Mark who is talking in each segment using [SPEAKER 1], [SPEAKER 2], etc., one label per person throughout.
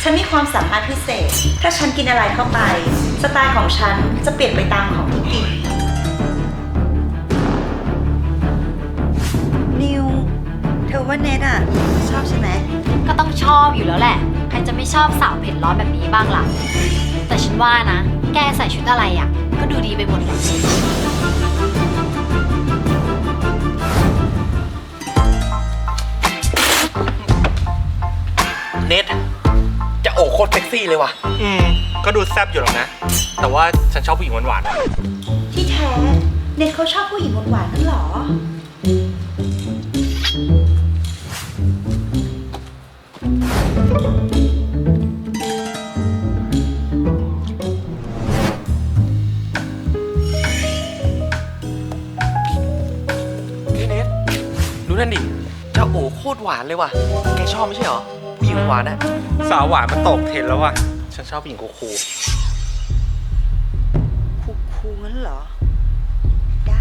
[SPEAKER 1] ฉันมีความสามารถพิเศษถ้าฉันกินอะไรเข้าไปสไตล์ของฉันจะเปลี่ยนไปตามของที่กินนิวเธอว่าเนทอะชอบใช่ไหม
[SPEAKER 2] ก็ต้องชอบอยู่แล้วแหละใครจะไม่ชอบสาวเผ็ดร้อนแบบนี้บ้างล่ะแต่ฉันว่านะแกใส่ชุดอะไรอ่ะก็ดูดีไปหมดเลย
[SPEAKER 3] เน็ตจะโอ้โคตรเซ็กซี่เลยว่ะก็ดูแซ่บอยู่หรอกนะแต่ว่าฉันชอบผู้หญิงหวานๆ
[SPEAKER 1] ที่แท้เนทเขาชอบผู้หญิงหวานๆนั่นหรอ
[SPEAKER 3] เน็ตดูนั่นดิเจ้าโอ้โคตรหวานเลยว่ะแกชอบไม่ใช่เหรอผู้หญิงหวานอะสาวหวานมันตกเทรนด์แล้วว่ะฉันชอบผู้หญิงคูล
[SPEAKER 1] คูงั้นเหรอได้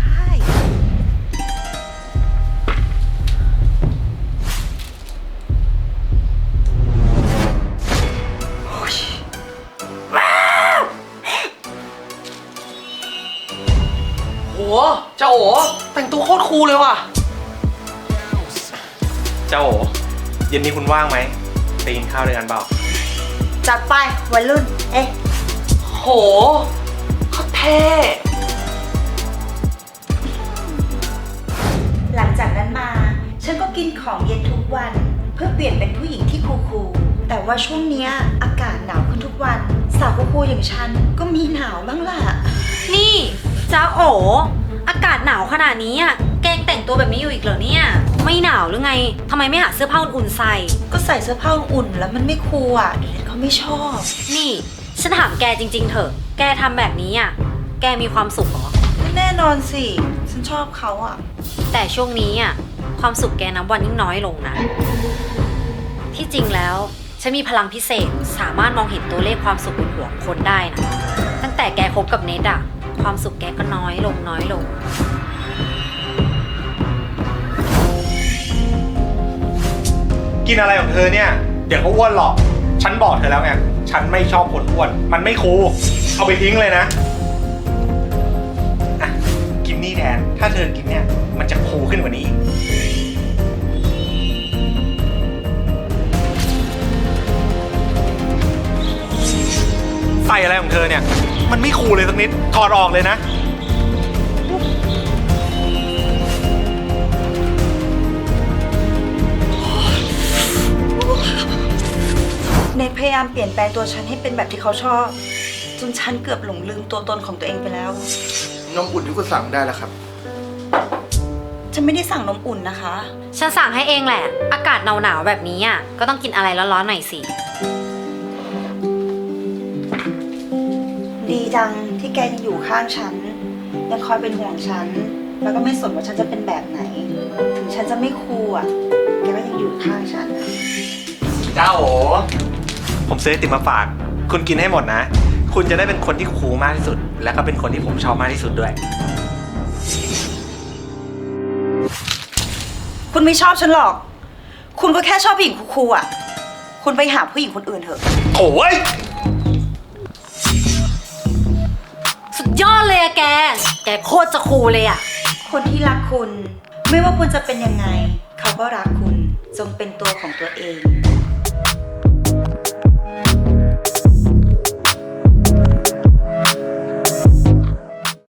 [SPEAKER 3] โอ้เจ้าโอ้แต่งตัวโคตรคูลเลยว่ะเจ้าโอ้เย็นนี้คุณว่างไหมไปกินข้าวด้วยกันเปล่า
[SPEAKER 1] จัดไปวัยรุ่น
[SPEAKER 3] โหโคตรเท่
[SPEAKER 1] หลังจากนั้นมาฉันก็กินของเย็นทุกวันเพื่อเปลี่ยนเป็นผู้หญิงที่คูลๆแต่ว่าช่วงเนี้ยอากาศหนาวขึ้นทุกวันสาวคูลๆอย่างฉันก็มีหนาวบ้างล่ะ
[SPEAKER 2] นี่จ้าโออากาศหนาวขนาดนี้อ่ะแกงแต่งตัวแบบนี้อยู่อีกเหรอเนี่ยไม่หนาวหรือไงทำไมไม่หาเสื้อผ้าอุ่นๆใส่
[SPEAKER 1] ก็ใส่เสื้อผ้าอุ่นแล้วมันไม่คูลอ่ะเดี๋ยวเขาไม่ชอบ
[SPEAKER 2] นี่ฉันถามแกจริงๆเถอะแกทำแบบนี้อ่ะแกมีความสุขเหรอ
[SPEAKER 1] แน่นอนสิฉันชอบเขาอ่ะ
[SPEAKER 2] แต่ช่วงนี้อ่ะความสุขแกนับวันยิ่งน้อยลงนะที่จริงแล้วฉันมีพลังพิเศษสามารถมองเห็นตัวเลขความสุขบนหัวของคนได้นะตั้งแต่แกคบกับเนทอ่ะความสุขแกก็น้อยลง
[SPEAKER 3] กินอะไรของเธอเนี่ยเดี๋ยวก็อ้วนหรอกฉันบอกเธอแล้วไงฉันไม่ชอบคนอ้วนมันไม่คูลเอาไปทิ้งเลยนะอ่ะกินนี่แทนถ้าเธอกินเนี่ยมันจะคูลขึ้นกว่านี้ใส่อะไรของเธอเนี่ยมันไม่คูลเลยสักนิดถอดออกเลยนะ
[SPEAKER 1] เนทพยายามเปลี่ยนแปลงตัวฉันให้เป็นแบบที่เขาชอบจนฉันเกือบหลงลืมตัวตนของตัวเองไปแล้ว
[SPEAKER 4] นมอุ่นที่คุณสั่งได้แล้วครับ
[SPEAKER 1] ฉันไม่ได้สั่งนมอุ่นนะคะ
[SPEAKER 2] ฉันสั่งให้เองแหละอากาศหนาวๆแบบนี้อ่ะก็ต้องกินอะไรร้อนๆหน่อยสิ
[SPEAKER 1] ดีจังที่แกยังอยู่ข้างฉันยังคอยเป็นห่วงฉันแล้วก็ไม่สนว่าฉันจะเป็นแบบไหนถึงฉันจะไม่คูลอ่ะแกก็ยังอยู่ข้างฉัน
[SPEAKER 3] เจ้าโอผมซื้อไอติมมาฝากคุณกินให้หมดนะคุณจะได้เป็นคนที่คูลมากที่สุดและก็เป็นคนที่ผมชอบมากที่สุดด้วย
[SPEAKER 1] คุณไม่ชอบฉันหรอกคุณก็แค่ชอบผู้หญิงคูลๆอ่ะคุณไปหาผู้หญิงคนอื่นเถอะ
[SPEAKER 3] โอ้ย
[SPEAKER 2] สุดยอดเลยอะแกโคตรจะคูลเลยอะ
[SPEAKER 1] คนที่รักคุณไม่ว่าคุณจะเป็นยังไงเขาก็รักคุณจงเป็นตัวของตัวเอง